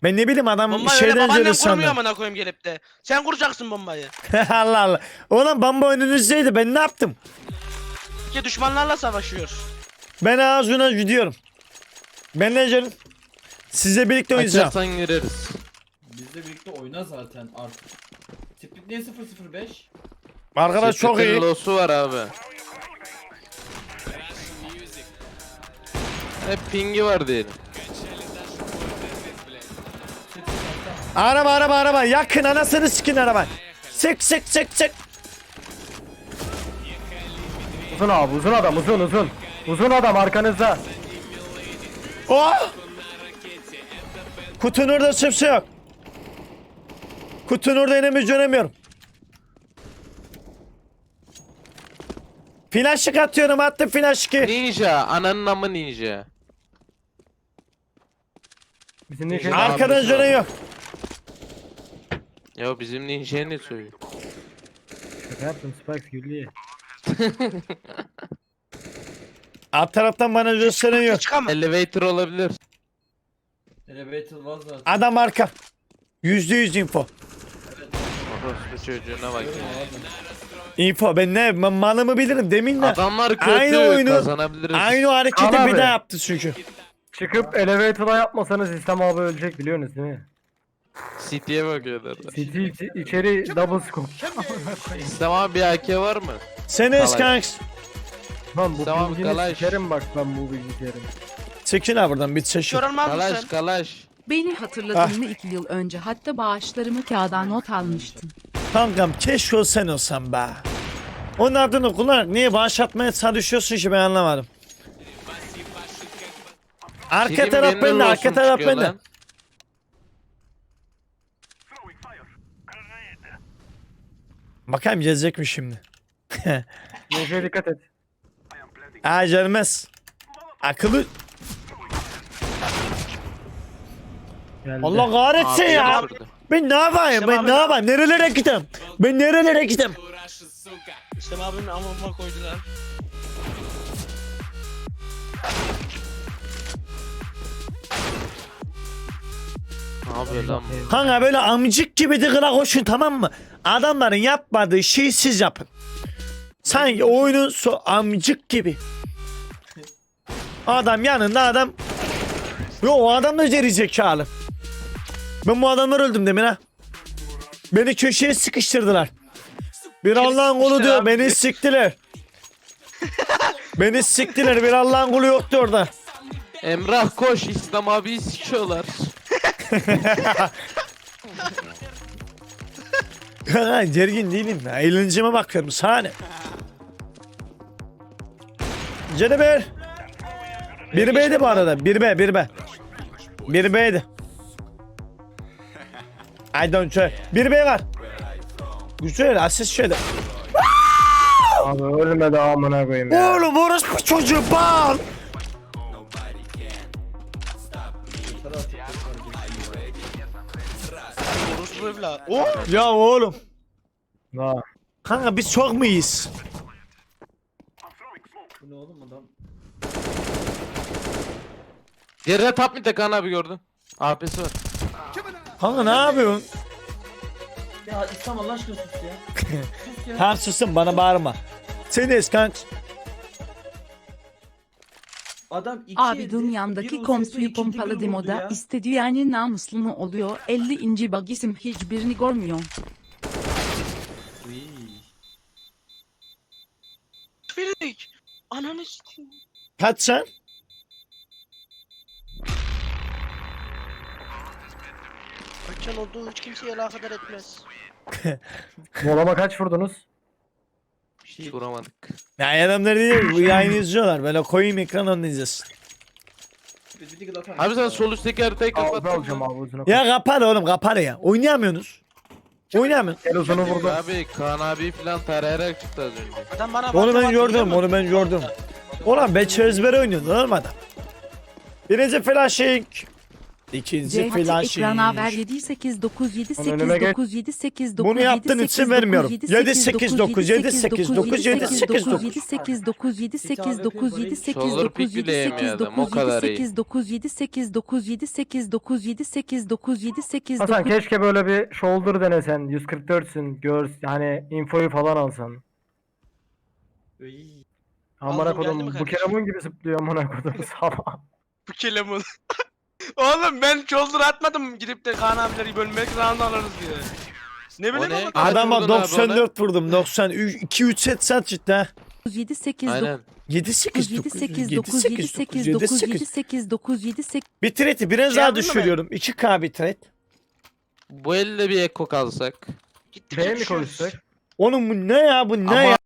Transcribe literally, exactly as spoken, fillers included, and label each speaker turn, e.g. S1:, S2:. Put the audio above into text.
S1: Ben ne bileyim adam
S2: Bombayı öyle
S1: şeyden
S2: babaannem
S1: zırh
S2: kurmuyor
S1: sandım.
S2: amına koyayım gelip de. Sen kuracaksın bombayı.
S1: Allah Allah. Oğlum bomba önünüzdeydi, ben ne yaptım?
S2: Ki düşmanlarla savaşıyor.
S1: Ben ağzına gidiyorum. Ben ne canım? Sizle birlikte oynayacağım.
S3: Açarsan gireriz.
S4: Bizle birlikte oyna zaten artık. Split niye sıfır sıfır beş?
S1: Arkadaş çok iyi.
S3: Losu var abi. Hep pingi var diyelim.
S1: Araba araba araba yakın, anasını sikin araba. Sık sık sık sık.
S5: Uzun abi, uzun adam, uzun uzun. Uzun adam arkanızda.
S1: Oh! Kutunun orada kimse yok. Kutunun orada inemiz dönemiyorum. Flaşık atıyorum, attım flaşık.
S3: Ninja. Ananın amı ninja.
S5: Bizim ne şey?
S3: Ar-
S1: Arkadan
S3: abisi
S1: dönen
S3: var.
S1: yok.
S3: Ya bizim ninja'ya ne söylüyor?
S5: Şaka yaptım, Spikes güldü.
S1: Alt taraftan bana gösteren yok.
S2: Çıkamam.
S3: Elevator olabilir.
S4: Elevator var zaten.
S1: Adam arka. Yüzde yüz info.
S3: Orospu çocuğuna bak.
S1: Info, ben ne ben malımı bilirim demin de.
S3: Adamlar kötü,
S1: Aynı oyunu-
S3: kazanabiliriz.
S1: Aynı o hareketi
S5: Kaan
S1: bir
S5: abi.
S1: daha yaptı çünkü.
S5: Çıkıp elevator'a yapmasanız İslam abi ölecek biliyorsunuz değil mi?
S3: City'ye bakıyorlar.
S5: City içi- içeri double scope.
S3: İslam abi bir A K var mı?
S1: Sen
S3: Kalay.
S1: eskanks.
S5: Lan bu
S3: Tamam,
S5: bilgini
S3: Kalaş.
S5: sikerim bak ben bu bilgisayarın.
S1: Çekil ha buradan, bir çeşit.
S2: Kör olmaz
S3: Kalaş
S2: mısın?
S3: kalaş.
S6: Beni hatırladın mı iki yıl önce hatta bağışlarımı kağıda not almıştım.
S1: Kankam keşke o sen olsan be. Onun adını kullanarak niye bağış atmaya çalışıyorsun ki, ben anlamadım. Arka
S3: Senin
S1: taraf
S3: birinin
S1: bende, arka
S3: olsun
S1: taraf
S3: çıkıyor
S1: bende.
S3: lan.
S1: Bakayım gelecek mi şimdi?
S5: Neyse dikkat et.
S1: Aa gelmez. Akıllı.
S5: Geldi.
S1: Allah kahretsin
S3: Abi
S1: ya.
S3: yapırdı.
S1: Ben ne yapayım?
S2: İşte
S1: Ben
S2: abi-
S1: ne yapayım? Nerelere gideyim? Ben nerelere gideyim?
S2: İşte abinin amına koydular.
S3: Ne yapıyor lan bu?
S1: Kanka böyle amcık gibi dıgıra koşun, tamam mı? Adamların yapmadığı şeyi siz yapın. Sanki oyunun so amcık gibi. Adam yanında adam. Yo, o adam da geri zekalı. Ben bu adamlar öldüm demin ha. Beni köşeye sıkıştırdılar. Bir Allah'ın kulu
S2: sıkıştır
S1: diyor,
S2: abi.
S1: beni siktiler. Beni siktiler, bir Allah'ın kulu yoktu orada.
S3: Emrah koş, İslam abiyi sikiyorlar.
S1: Kanka gergin değilim ya. Eğlenceme bakıyorum. Sahne. Ceneber. Bir B'ydi bu arada. Bir B, bir B. Bir B'ydi. I don't care. Bir B var. Güzel, asist şöyle.
S5: Abi ölmedi amına koyayım ya.
S1: Oğlum orospu çocuğu bal.
S2: Orospu evlat. Oh!
S1: Ya oğlum.
S5: Ha.
S1: Kanka biz çok mu iyiyiz?
S4: Bu ne oğlum adam?
S3: Geride tap mı Kaan abi gördün? A P'si var.
S1: Kanka ne yapıyorsun?
S4: Ya İslam Allah aşkına sus ya. Sus ya.
S1: Tamam susun, bana bağırma. Sen de kanka.
S4: Adam iki
S6: Abi
S4: elde,
S6: dünyamdaki
S4: bir
S6: komsuyu
S4: Rusya, ikinci
S6: pompalı
S4: gol vurdu
S6: demoda
S4: ya.
S6: istediği yani namuslu mu oluyor? elli inci bagisim hiçbirini görmüyor.
S4: Uy.
S2: Firik. Ananı sikeyim.
S1: Kaç sen?
S2: Kaçan olduğu hiç kimseye alakadar etmez.
S5: Molama kaç vurdunuz?
S3: Hiç vuramadık.
S1: Ya adamlar değil, bu yayını izliyorlar. Böyle koyayım ekran, onu izlesin.
S4: Bir digil atar
S3: Abi sen
S4: mısın?
S3: sol üstteki haritayı
S5: Abi
S3: kapattın
S5: alacağım
S3: mı?
S5: abi uzunu.
S1: Ya kapar oğlum, kapar ya. Oynayamıyorsunuz. Oynayamıyorsun.
S5: Gel uzunu vurdum.
S3: Abi Kaan abi falan tarayarak çıktı az önce.
S2: Adam bana
S1: Onu ben
S2: baktı,
S1: gördüm,
S2: baktı,
S1: onu ben gördüm. Ulan ben çözbere oynuyordu oğlum adam. Birinci flashing. İkinci
S6: C H
S1: flash.
S6: ekrana ver yedi sekiz dokuz yedi
S5: Onun
S6: sekiz
S5: önüme geç.
S6: dokuz yedi sekiz dokuz
S1: Bunu yaptığın için vermiyorum. yedi sekiz dokuz yedi sekiz dokuz yedi sekiz dokuz.
S6: yedi sekiz dokuz yedi sekiz dokuz yedi sekiz
S3: Shoulder
S6: dokuz
S3: pick
S6: yedi
S3: bile
S6: sekiz
S3: yemiyordum, o
S6: dokuz
S3: kadar
S6: yedi
S3: iyi.
S6: sekiz dokuz yedi sekiz dokuz yedi sekiz dokuz yedi sekiz dokuz yedi sekiz
S5: Hasan
S6: dokuz
S5: keşke böyle bir shoulder denesen. yüz kırk dörtsün. Gör yani infoyu falan alsan.
S2: Iy,
S5: Amına
S2: Aldım, geldi
S5: kodum
S2: mi
S5: bu
S2: kardeşim?
S5: kelemun gibi zıplıyor amına kodum sabah.
S2: Bu kelemun. Oğlum ben shoulder atmadım gidip de Kaan abileri bölmek round alırız diye. Ne bileyim
S3: ne?
S2: ama.
S3: Kaç
S1: Adama
S3: vurdun abi
S1: doksan dört vurdum. doksan üç iki üç set sat cidden.
S6: yedi sekiz
S3: Aynen.
S1: yedi sekiz
S6: yedi
S1: dokuz
S6: sekiz
S1: yedi
S6: dokuz yedi
S1: sekiz
S6: sekiz
S1: yedi
S6: dokuz yedi
S1: sekiz.
S6: sekiz dokuz yedi sekiz
S1: Bitrate biraz
S2: Şey
S1: daha
S2: yaptın mı
S1: düşürüyorum. iki K bitrate.
S3: Bu elde bir eko kalsak.
S2: Gittikçe
S5: B mi
S2: düşüyoruz.
S5: konuşsak?
S1: Oğlum bu ne ya bu ne
S3: Ama
S1: ya?